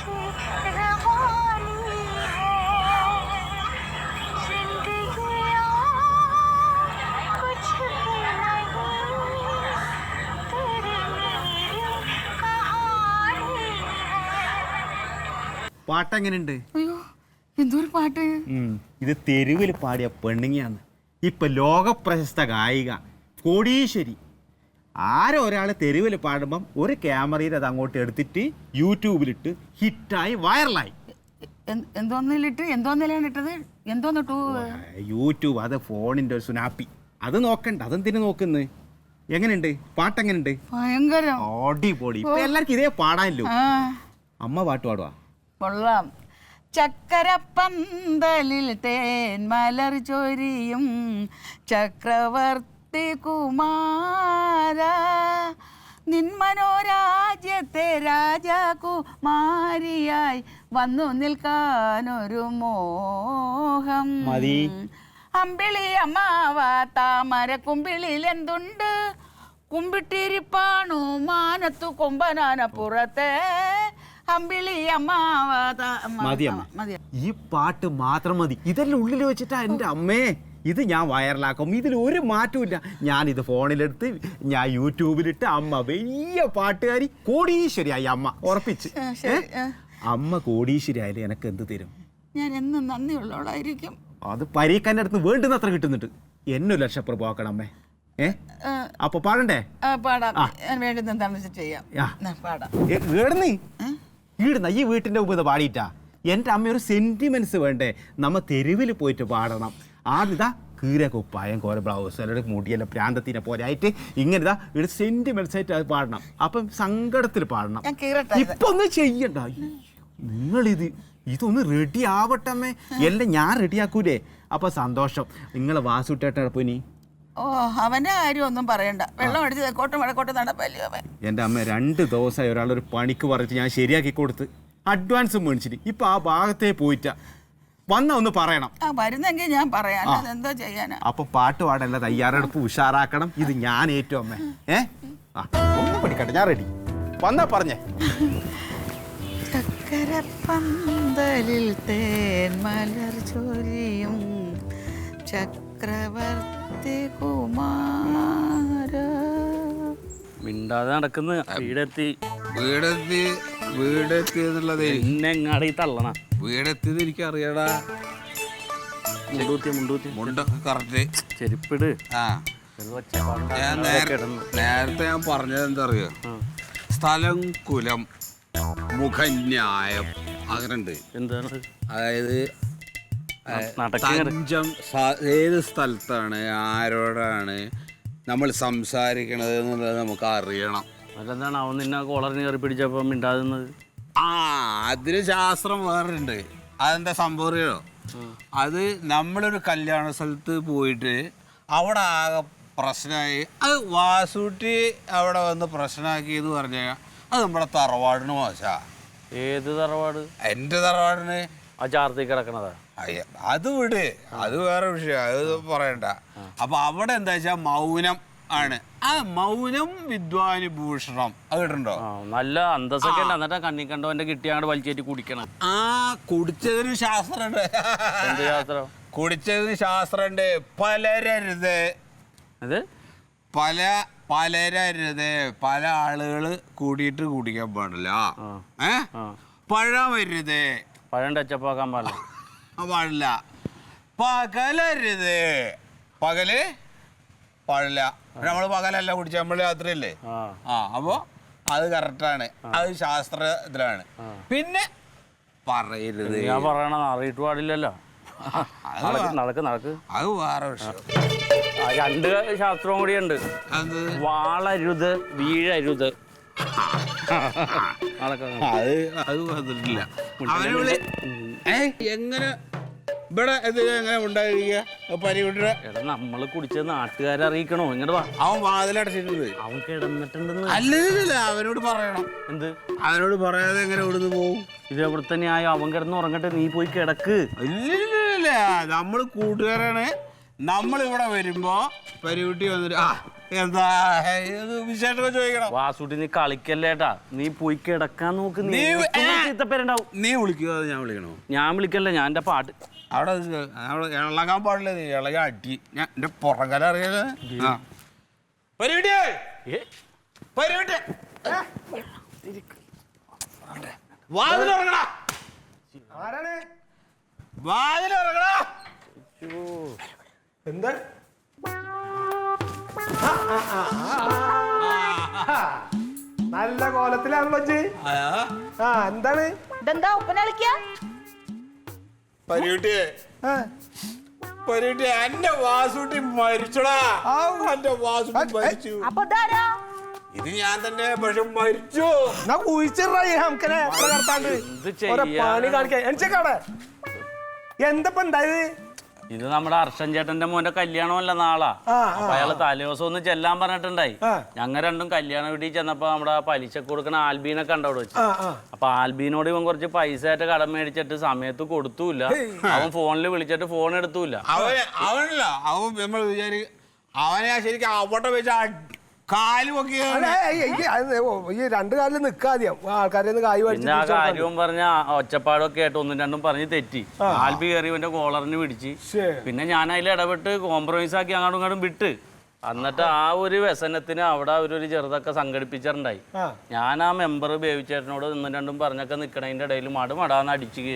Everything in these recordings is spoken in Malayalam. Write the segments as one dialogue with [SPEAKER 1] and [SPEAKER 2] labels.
[SPEAKER 1] പാട്ടെങ്ങനെയുണ്ട്?
[SPEAKER 2] അയ്യോ എന്തൊരു പാട്ട്!
[SPEAKER 1] ഇത് തെരുവിൽ പാടിയ പെണ്ണുങ്ങിയാണ്. ഇപ്പൊ ലോകപ്രശസ്ത ഗായിക കോടീശ്വരി. ആരോ ഒരാൾ തെരുവിൽ പാടുമ്പം ഒരു ക്യാമറയിൽ അത് അങ്ങോട്ട് എടുത്തിട്ട് യൂട്യൂബിലിട്ട് ഹിറ്റായി വൈറലായി.
[SPEAKER 2] എന്തോന്നിലാണ് ഇട്ടത്? എന്തോന്നിട്ടു?
[SPEAKER 1] യൂട്യൂബ്. അത് ഫോണിന്റെ ഒരു സുനാപ്പി. അത് നോക്കണ്ട, അതെന്തിനു നോക്കുന്നത്? എങ്ങനെയുണ്ട് പാട്ടെങ്ങനെയുണ്ട്?
[SPEAKER 2] ഭയങ്കരം
[SPEAKER 1] അടിപൊളി. ഇപ്പൊ എല്ലാവർക്കും ഇതേ പാടാനല്ലോ. അമ്മ പാട്ട് പാടുവാ?
[SPEAKER 2] കൊള്ളാം. ചക്കരപ്പന്തലിൽ തേൻ മലർ ചൊരിയും ചക്രവർത്തി കുമാര, നിന്മനോരാജ്യത്തെ രാജകുമാരിയായി വന്നു നിൽക്കാനൊരു മോഹം. അമ്പിളി അമ്മാവ താമര കുമ്പിളിൽ എന്തുണ്ട്? കുമ്പിട്ടിരിപ്പാണു മാനത്തു കൊമ്പനാന പുറത്തെ അമ്പിളി അമ്മാവ.
[SPEAKER 1] ഈ പാട്ട് മാത്രം മതി. ഇതെല്ലാം ഉള്ളിൽ വെച്ചിട്ടാ എൻ്റെ അമ്മേ ഇത് ഞാൻ വൈറലാക്കും. ഇതിൽ ഒരു മാറ്റമില്ല. ഞാനിത് ഫോണിലെടുത്ത് ഞാൻ യൂട്യൂബിലിട്ട് അമ്മ വലിയ പാട്ടുകാരി കോടീശ്വരിയായി. അമ്മ ഉറപ്പിച്ച്. അമ്മ കോടീശ്വരി ആയാലും എനക്ക് എന്ത് തരും?
[SPEAKER 2] ഞാൻ എന്നും നന്ദിയുള്ളവളായിരിക്കും.
[SPEAKER 1] അത് പരീക്കാൻ്റെ അടുത്ത് വേണ്ടുന്നത്ര കിട്ടുന്നുണ്ട്. എന്നെ ലക്ഷപ്പുറം പോക്കണം അമ്മേ. അപ്പൊ പാടണ്ടേ?
[SPEAKER 2] പാടാം.
[SPEAKER 1] ഈടുന്ന ഈ വീട്ടിന്റെ മുമ്പ് പാടിയിട്ടാ. എൻ്റെ അമ്മ ഒരു സെന്റിമെന്റ്സ് വേണ്ടേ? നമ്മ തെരുവിൽ പോയിട്ട് പാടണം. ആദ്യതാ കീര കുപ്പായം കോര ബ്ലൗസ് അല്ലെങ്കിൽ മുടിയെല്ലാം പ്രാന്തത്തിനെ പോലെ ആയിട്ട് ഇങ്ങനെതാ ഇവിടെ സെന്റിമെന്റ്സ് ആയിട്ട് അത് പാടണം. അപ്പം സങ്കടത്തിൽ പാടണം. ഇപ്പൊ ഒന്നും ചെയ്യണ്ട. ഇതൊന്ന് റെഡി ആവട്ടമ്മേ. എല്ലാം ഞാൻ റെഡിയാക്കൂലേ? അപ്പൊ സന്തോഷം. നിങ്ങളെ വാസുട്ടേട്ടപ്പോ ഇനി
[SPEAKER 2] അവന്റെ കാര്യം ഒന്നും പറയണ്ട. വെള്ളം അടിച്ച് തെക്കോട്ടും വടക്കോട്ടും നടപ്പല്ലോ അവൻ.
[SPEAKER 1] എൻ്റെ അമ്മ 2 ദിവസമായി ഒരാളൊരു പണിക്ക് പറഞ്ഞിട്ട് ഞാൻ ശരിയാക്കി കൊടുത്ത് അഡ്വാൻസും മേടിച്ചിട്ട് ഇപ്പൊ ആ ഭാഗത്തേ പോയിട്ടാ. വന്ന ഒന്ന് പറയണം.
[SPEAKER 2] വരുന്നെങ്കിൽ ഞാൻ പറയാം. എന്താ ചെയ്യാനാ?
[SPEAKER 1] അപ്പൊ പാട്ട് പാടല്ല, തയ്യാറെടുപ്പ് ഉഷാറാക്കണം. ഇത് ഞാൻ ഏറ്റവും അമ്മേ. ഒന്നും പഠിക്കട്ടെ, ഞാൻ റെഡി. വന്നാ പറഞ്ഞേ.
[SPEAKER 2] ചക്കരപ്പന്തലിൽ തേൻ മലർ ചൊരിയും ചക്രവർത്തി കുമാര.
[SPEAKER 3] മിണ്ടാതെ നടക്കുന്ന വീടെത്തി
[SPEAKER 4] എന്നുള്ളത്
[SPEAKER 3] എന്നെങ്ങാടി തള്ളണ.
[SPEAKER 4] വീടെത്തിയത് എനിക്ക് അറിയടാ. മുണ്ടൊക്കെ കറക്റ്റ്.
[SPEAKER 3] ചെരുപ്പിട്.
[SPEAKER 4] ഞാൻ നേരത്തെ ഞാൻ പറഞ്ഞത് എന്താ അറിയോ? സ്ഥലം കുലം മുഖന്യായം അങ്ങനുണ്ട്.
[SPEAKER 3] എന്താണ്?
[SPEAKER 4] അതായത് തഞ്ചം ഏത് സ്ഥലത്താണ് ആരോടാണ് നമ്മൾ സംസാരിക്കണത് എന്നുള്ളത് നമുക്ക് അറിയണം.
[SPEAKER 3] അതെന്താണ് അവൻ നിന്നെ കോളറിന് കയറി പിടിച്ചപ്പോ മിണ്ടാകുന്നത്?
[SPEAKER 4] അതിന് ശാസ്ത്രം വേറുണ്ട്. അതെന്താ സംഭവം അറിയോ? അത് നമ്മളൊരു കല്യാണ സ്ഥലത്ത് പോയിട്ട് അവിടെ ആകെ പ്രശ്നമായി. അത് വാസൂട്ടി അവിടെ വന്ന് പ്രശ്നമാക്കിയെന്ന് പറഞ്ഞാൽ അത് നമ്മുടെ തറവാടിന് മോശാ.
[SPEAKER 3] ഏത് തറവാട്?
[SPEAKER 4] എൻ്റെ തറവാടിന്.
[SPEAKER 3] ആ ചാർത്തി കിടക്കണതാ.
[SPEAKER 4] അത് വിട്, അത് വേറെ വിഷയം, അത് പറയണ്ട. അപ്പൊ അവിടെ എന്താ വെച്ചാൽ മൗനം ആണ്. ആ മൗനം വിദ്വാനുഭൂഷണം. അത് കേട്ടിട്ടുണ്ടോ?
[SPEAKER 3] നല്ല അന്തസ്സൊക്കെ ഉണ്ട്. എന്നിട്ടാ കണ്ണി കണ്ടവന്റെ കിട്ടിയാണ്ട് വലിച്ചേറ്റി കുടിക്കണം.
[SPEAKER 4] കുടിച്ചതിന് ശാസ്ത്രമുണ്ട്.
[SPEAKER 3] എന്ത് ശാസ്ത്രം?
[SPEAKER 4] കുടിച്ചതിന് ശാസ്ത്രമുണ്ട്. പലരരുത്. പലരരുത്. പല ആളുകൾ കൂടിയിട്ട് കുടിക്കാൻ പാടില്ല. പഴമരുത്.
[SPEAKER 3] പഴം ടച്ചപ്പാക്കാൻ പാടില്ല.
[SPEAKER 4] പാടില്ല. പകലരുത്. പകല് പാടില്ല. നമ്മള് പകലല്ല കുടിച്ച, നമ്മള് രാത്രിയല്ലേ. അപ്പൊ അത് കറക്റ്റാണ്. അത് ശാസ്ത്രത്തിലാണ്. പിന്നെ പറയരുത്.
[SPEAKER 3] ഞാൻ പറയണ അറിയിട്ട് പാടില്ലല്ലോ. നടക്ക്.
[SPEAKER 4] അത് വേറെ വിഷയം.
[SPEAKER 3] 2 ശാസ്ത്രവും കൂടിയുണ്ട്. വാളരുത്, വീഴരുത്.
[SPEAKER 4] അത് വന്നിട്ടില്ല. എങ്ങനെ ഇവിടെ എങ്ങനെ ഉണ്ടായിരിക്കുക പരിവിട്ട?
[SPEAKER 3] നമ്മള് കുടിച്ചത് നാട്ടുകാരെ അറിയിക്കണോ? ഇങ്ങോട്ട് വാ.
[SPEAKER 4] അവൻ വാതിലടച്ചിട്ടുണ്ട്.
[SPEAKER 3] അവൻ കിടന്നിട്ടുണ്ടെന്ന്.
[SPEAKER 4] അല്ല, അവനോട് പറയണം.
[SPEAKER 3] എന്ത്?
[SPEAKER 4] അവനോട് പറയാതെ എങ്ങനെ ഇവിടുന്ന് പോവും?
[SPEAKER 3] ഇത് എവിടെ തന്നെയായോ? അവൻ കിടന്ന് ഉറങ്ങട്ടെ, നീ പോയി കിടക്ക്.
[SPEAKER 4] ഇല്ല, നമ്മള് കൂട്ടുകാരാണ്. നമ്മളിവിടെ വരുമ്പോ പരിവിട്ടി വന്നിട്ട് എന്താ വിശേഷമൊക്കെ ചോദിക്കണം.
[SPEAKER 3] വാസുട്ടി നീ കളിക്കല്ലേട്ടാ, നീ പോയി കിടക്കാൻ നോക്ക്. ഇത്തപ്പേരുണ്ടാവും.
[SPEAKER 4] നീ വിളിക്കുക, അത് ഞാൻ വിളിക്കണോ?
[SPEAKER 3] ഞാൻ വിളിക്കല്ല, ഞാൻ എൻ്റെ പാട്ട്.
[SPEAKER 4] അവിടെ ഇളകാൻ പാടില്ല, നീ ഇളകി അടി. ഞാൻ എന്റെ പുറകല അറിയാലേ. വാതിലിറങ്ങടാ. വാതിലിറങ്ങടാ.
[SPEAKER 5] എന്താ നല്ല കോലത്തിലാണല്ലോ ഇജ്ജ്. എന്താണ്
[SPEAKER 2] ഇതെന്താ ഉപ്പന കളിക്കാ?
[SPEAKER 4] പരികുട്ടിയെ, പരികുട്ടി, എന്റെ വാസുട്ടി മരിച്ചടാ. എന്റെ വാസുട്ടി മരിച്ചു.
[SPEAKER 2] അപ്പൊ ഇതാരാ?
[SPEAKER 4] ഇത് ഞാൻ തന്നെ, പക്ഷെ മരിച്ചു.
[SPEAKER 5] നമുക്കനെ പണി കാണിക്കാൻ എനിച്ചേക്കാടെ എന്തപ്പ ഉണ്ടായത്?
[SPEAKER 3] ഇത് നമ്മുടെ അർഷൻ ചേട്ടന്റെ മോന്റെ കല്യാണമല്ല നാളാ. അപ്പൊ അയാള് തലേദിവസം ഒന്ന് ചെല്ലാൻ പറഞ്ഞിട്ടുണ്ടായി. ഞങ്ങൾ രണ്ടും കല്യാണ വീട്ടിൽ ചെന്നപ്പോ നമ്മുടെ പലിശ കൊടുക്കണ ആൽബീനെ കണ്ടവിടെ വെച്ചു. അപ്പൊ ആൽബീനോട് ഇവൻ കുറച്ച് പൈസ ആയിട്ട് കടം മേടിച്ചിട്ട് സമയത്ത് കൊടുത്തൂല്ല. അവൻ ഫോണിൽ വിളിച്ചിട്ട് ഫോൺ എടുത്തൂല്ല.
[SPEAKER 4] അവനല്ല, അവൻ നമ്മൾ അവനെ ശരിക്കും അവിടെ വെച്ച് കാലുമൊക്കെ
[SPEAKER 5] ഈ രണ്ടു കാലിൽ നിക്കാദ്യം ആൾക്കാരെ കായ്
[SPEAKER 3] പിന്നെ ആ കാര്യവും പറഞ്ഞ ഒച്ചപ്പാടൊക്കെ ആയിട്ട് ഒന്നും രണ്ടും പറഞ്ഞ് തെറ്റി. ആൽബി കയറി ഇവന്റെ കോളറിന് പിടിച്ച്. പിന്നെ ഞാൻ അതിൽ ഇടപെട്ട് കോംപ്രമൈസ് ആക്കി അങ്ങോട്ടും ഇങ്ങോട്ടും വിട്ട്. എന്നിട്ട് ആ ഒരു വ്യസനത്തിന് അവിടെ അവരൊരു ചെറുതൊക്കെ സംഘടിപ്പിച്ചിട്ടുണ്ടായി. ഞാൻ ആ മെമ്പർ ബേബിച്ചേട്ടനോട് ഒന്നും രണ്ടും പറഞ്ഞൊക്കെ നിക്കണതിന്റെ ഇടയിൽ മടാന്ന് അടിച്ചു കയറി.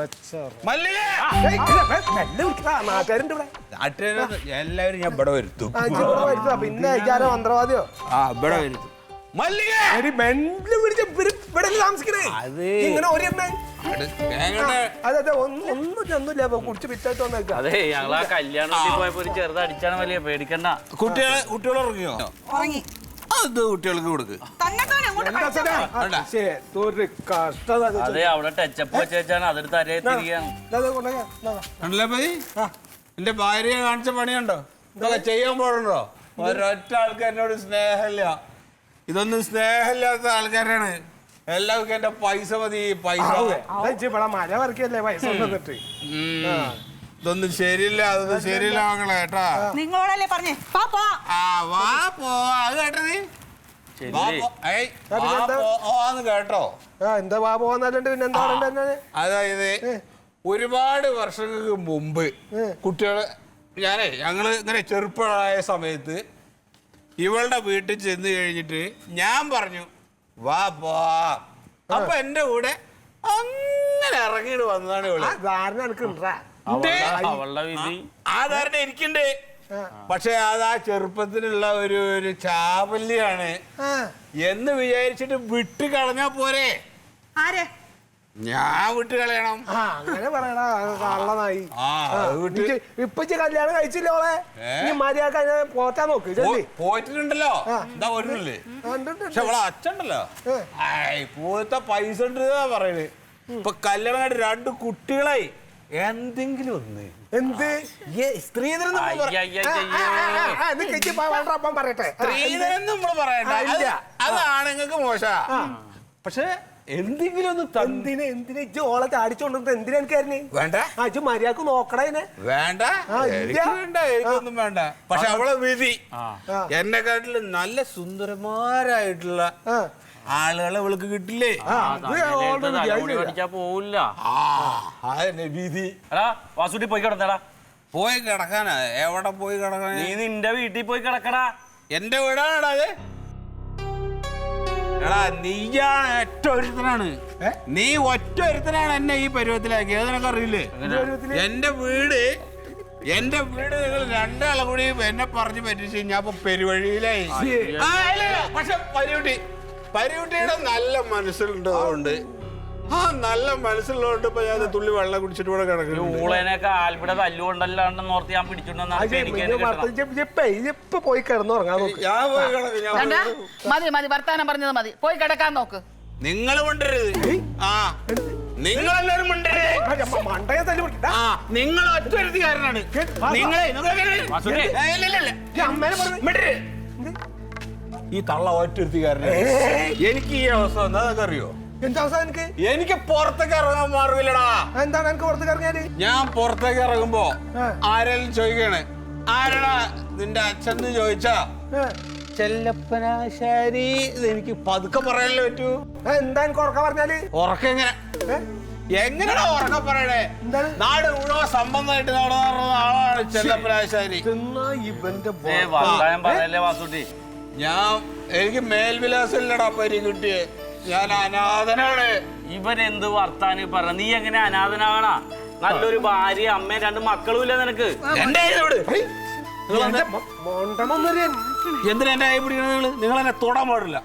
[SPEAKER 4] എല്ലാവരും ഞാൻ ഇവിടെ വരുത്തും.
[SPEAKER 5] പിന്നെ മന്ത്രവാദിയോ
[SPEAKER 4] ഇവിടെ വരുത്തും.
[SPEAKER 3] അതെ, ഞങ്ങൾ ആ കല്യാണത്തിൽ പോയപ്പോ ഒരു ചെറുത് അടിച്ചാണ് വലിയ, പേടിക്കണ്ട.
[SPEAKER 4] കുട്ടികൾ ഇറങ്ങിയോ? അത് കുട്ടികൾക്ക് കൊടുക്ക്.
[SPEAKER 3] അതെ, അവിടെ ടച്ചപ്പ് വെച്ചാണ് അതെടുത്ത് അരയെ തിരികെയാണ്.
[SPEAKER 4] എന്റെ ഭാര്യയെ കാണിച്ച പണിയുണ്ടോ? ഇതൊക്കെ ചെയ്യാൻ പാടുണ്ടോ? ഒരൊറ്റ ആൾക്കാരനോട് സ്നേഹമില്ല. ഇതൊന്നും സ്നേഹമില്ലാത്ത ആൾക്കാരാണ്. എല്ലാവർക്കും എന്റെ പൈസ മതി, പൈസ.
[SPEAKER 5] മഴ വരക്കല്ലേ പൈസ തന്നിട്ട്.
[SPEAKER 4] ഇതൊന്നും ശരിയില്ല, അതൊന്നും ശരിയില്ല മക്കളെ കേട്ടാ.
[SPEAKER 2] നിങ്ങളോടല്ലേ പറഞ്ഞേ
[SPEAKER 4] വാ പോ. അത് കേട്ടോ നീ കേട്ടോ?
[SPEAKER 5] എന്താ വാ പോവാന്നല്ലാണ്ട് പിന്നെ എന്താ?
[SPEAKER 4] അതായത് ഒരുപാട് വർഷങ്ങൾക്ക് മുമ്പ് കുട്ടികള് ഞങ്ങള് ഇങ്ങനെ ചെറുപ്പമായ സമയത്ത് ഇവളുടെ വീട്ടിൽ ചെന്ന് കഴിഞ്ഞിട്ട് ഞാൻ പറഞ്ഞു വാ പോ. അപ്പൊ എന്റെ കൂടെ അങ്ങനെ ഇറങ്ങിയിട്ട് വന്നതാണ് ഇവള്. ആ ധാരണ എനിക്കുണ്ട്. പക്ഷെ അത് ആ ചെറുപ്പത്തിലുള്ള ഒരു ചാവല്യാണ് എന്ന് വിചാരിച്ചിട്ട് വിട്ട് കളഞ്ഞാ പോരെ? ഞാൻ വിട്ട് കളയണം.
[SPEAKER 5] അങ്ങനെ പറയണ കള്ളനായി. ഇപ്പൊ കല്യാണം കഴിച്ചില്ലോളെ, മര്യാദ പോറ്റാൻ നോക്ക്.
[SPEAKER 4] പോയിട്ടുണ്ടല്ലോ, എന്താ പോയിട്ടില്ലേ? പക്ഷെ അവളെ അച്ഛണ്ടല്ലോ പോലത്തെ പൈസ ഉണ്ട് പറയണേ. ഇപ്പൊ കല്യാണം കഴിഞ്ഞ 2 കുട്ടികളായി. എന്തെങ്കിലും ഒന്ന്
[SPEAKER 5] എന്ത്
[SPEAKER 4] സ്ത്രീധനം
[SPEAKER 5] പറയട്ടെ.
[SPEAKER 4] സ്ത്രീധനം നമ്മള് പറയണ്ട, അത് ആണുങ്ങൾക്ക് മോശ. പക്ഷെ എന്തെങ്കിലും ഒന്ന്
[SPEAKER 5] എന്തിനാ ഓളെ ചാടിച്ചോണ്ടിരുന്നത്? എന്തിനാ എനിക്കായിരുന്നു?
[SPEAKER 4] വേണ്ട,
[SPEAKER 5] അജ് മര്യാദക്ക് നോക്കണേനെ.
[SPEAKER 4] വേണ്ട, എനിക്കൊന്നും വേണ്ട. പക്ഷെ അവളെ വിധി എന്നെക്കാട്ടില് നല്ല സുന്ദരന്മാരായിട്ടുള്ള ആളുകളെ അവൾക്ക് കിട്ടില്ലേ?
[SPEAKER 3] പോവില്ല.
[SPEAKER 4] വിധി.
[SPEAKER 3] വാസുട്ടി പോയി കിടന്നടാ.
[SPEAKER 4] പോയി കിടക്കാനാ? എവിടെ പോയി കിടക്കാനാ?
[SPEAKER 3] നീ നിന്റെ വീട്ടിൽ പോയി കിടക്കടാ.
[SPEAKER 4] എന്റെ വീടാണടാ അത്. എടാ നീയാണ് ഒറ്റ ഒരുത്തനാണ്. നീ ഒറ്റ ഒരുത്തനാണ് എന്നെ ഈ പരുവത്തിലാക്കിയത്. അതിനൊക്കെ അറിയില്ലേ? എന്റെ വീട് നിങ്ങൾ 2 ആളെ കൂടി എന്നെ പറഞ്ഞു പറ്റിച്ച് ഞാൻ ഇപ്പൊ പെരുവഴിയിലായി. പക്ഷെ പരികുട്ടിയുടെ നല്ല മനസ്സിലുണ്ടതുകൊണ്ട്, ആ നല്ല മനസ്സിലുള്ളതുകൊണ്ട് ഇപ്പൊ ഞാൻ തുള്ളി വെള്ളം കുടിച്ചിട്ട് കൂടെ കിടക്കുന്നു.
[SPEAKER 3] ഊളേനൊക്കെ ആൽബിടെ തല്ലുകൊണ്ടല്ലാണ്ടെന്ന് ഓർത്ത് ഞാൻ പിടിച്ചിട്ടുണ്ടെന്നാണ്.
[SPEAKER 5] പോയി കിടന്നുറങ്ങാൻ നോക്ക്.
[SPEAKER 4] ഞാൻ പോയി കിടക്കും.
[SPEAKER 2] മതി വർത്താനം പറഞ്ഞത് മതി, പോയി കിടക്കാൻ നോക്ക്.
[SPEAKER 4] നിങ്ങൾ കൊണ്ടരുത്. നിങ്ങളെല്ലാരും
[SPEAKER 5] മണ്ടയെ തല്ലി
[SPEAKER 4] നിങ്ങൾ ഒറ്റ കാരനാണ്. ഈ തള്ള ഒറ്റൊരുത്തിക്കാരനെ. എനിക്ക് ഈ അവസ്ഥ എന്താ അറിയോ?
[SPEAKER 5] എന്താ അവസ്ഥ?
[SPEAKER 4] എനിക്ക് പുറത്തേക്ക് ഇറങ്ങാൻ മാർഗമില്ലടാ.
[SPEAKER 5] എന്താണ് എനിക്ക് പുറത്തേക്ക് ഇറങ്ങിയാല്?
[SPEAKER 4] ഞാൻ പുറത്തേക്ക് ഇറങ്ങുമ്പോ ആരെങ്കിലും ചോദിക്കണേ ആരടാ നിന്റെ അച്ഛൻ ചോദിച്ചാ ചെല്ലപ്പനാശാരി. ഇത് എനിക്ക് പതുക്കെ പറയാനല്ലേ പറ്റൂ.
[SPEAKER 5] എന്താ എനിക്ക് ഉറക്കം പറഞ്ഞാല്?
[SPEAKER 4] ഉറക്കം എങ്ങനെ എങ്ങനെയാ ഉറക്കം പറയണേ? നാട് മുഴുവൻ സംബന്ധമായിട്ട് നടന്ന ആളാണ് ചെല്ലപ്പനാശാരി.
[SPEAKER 5] ഇവന്റെ
[SPEAKER 3] വർത്താനം പറയല്ലേ വാസുട്ടി.
[SPEAKER 4] എനിക്ക് മേൽവിലാസം ഇല്ലടാ പരി കിട്ടിയേ. ഞാൻ അനാഥനാണ്.
[SPEAKER 3] ഇവൻ എന്ത് വർത്താനം പറ? നീ എങ്ങനെ അനാഥനാകണ? നല്ലൊരു ഭാര്യ, അമ്മയും 2 മക്കളും ഇല്ല നിനക്ക്.
[SPEAKER 4] എന്തിനാ എന്റെ കൈ പിടിക്കണത്? നിങ്ങൾ എന്നെ തൊടാൻ പാടില്ല.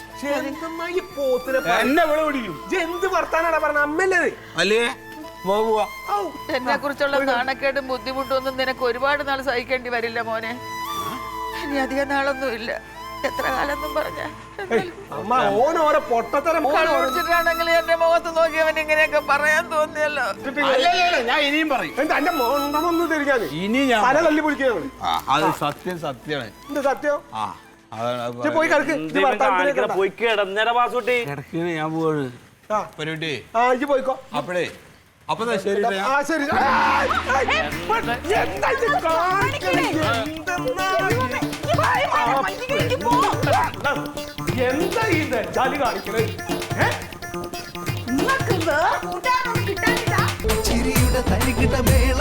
[SPEAKER 4] എന്നെ വിള പിടിക്കും.
[SPEAKER 5] എന്ത് വർത്താനാണ് പറഞ്ഞ അമ്മല്ലേ?
[SPEAKER 4] അല്ലേ പോവാ.
[SPEAKER 2] എന്നെ കുറിച്ചുള്ള നാണക്കേടും ബുദ്ധിമുട്ടും ഒന്നും നിനക്ക് ഒരുപാട് നാൾ സഹിക്കേണ്ടി വരില്ല മോനെ. ഇനി അധികം നാളൊന്നും ഇല്ല. എത്ര കാലൊന്നും പറഞ്ഞ
[SPEAKER 5] അമ്മ ഓനോരോ പൊട്ടത്തരം
[SPEAKER 2] കുടിച്ചിട്ടാണെങ്കിൽ എന്റെ മുഖത്ത് നോക്കി അവൻ ഇങ്ങനെയൊക്കെ പറയാൻ തോന്നിയല്ലോ.
[SPEAKER 4] ഞാൻ ഇനിയും പറയും.
[SPEAKER 5] എന്റെ മോണ്ടമൊന്ന് തിരിക്കാന്
[SPEAKER 4] ഇനി ഞാൻ
[SPEAKER 5] പല തല്ലി പിടിക്കുന്നത്.
[SPEAKER 4] അത് സത്യമാണ്.
[SPEAKER 5] എന്ത് സത്യം?
[SPEAKER 4] ആ അതാണ്
[SPEAKER 5] പോയി കിടക്ക്.
[SPEAKER 3] പോയി കിടന്നേരാ വാസുട്ടി.
[SPEAKER 4] കിടക്കണ ഞാൻ പോവാണ് പരിപാടി.
[SPEAKER 5] ആ ഇജ്ജ് പോയിക്കോ.
[SPEAKER 4] അപ്പഴേ അപ്പൊ ശരി.
[SPEAKER 5] ആ ശരി. എന്താ ഇത് കാണിക്കണേ? എന്താ ഇത് ചാലി കാണിക്കണേ?
[SPEAKER 6] ചിരിയുടെ തരികിട മേള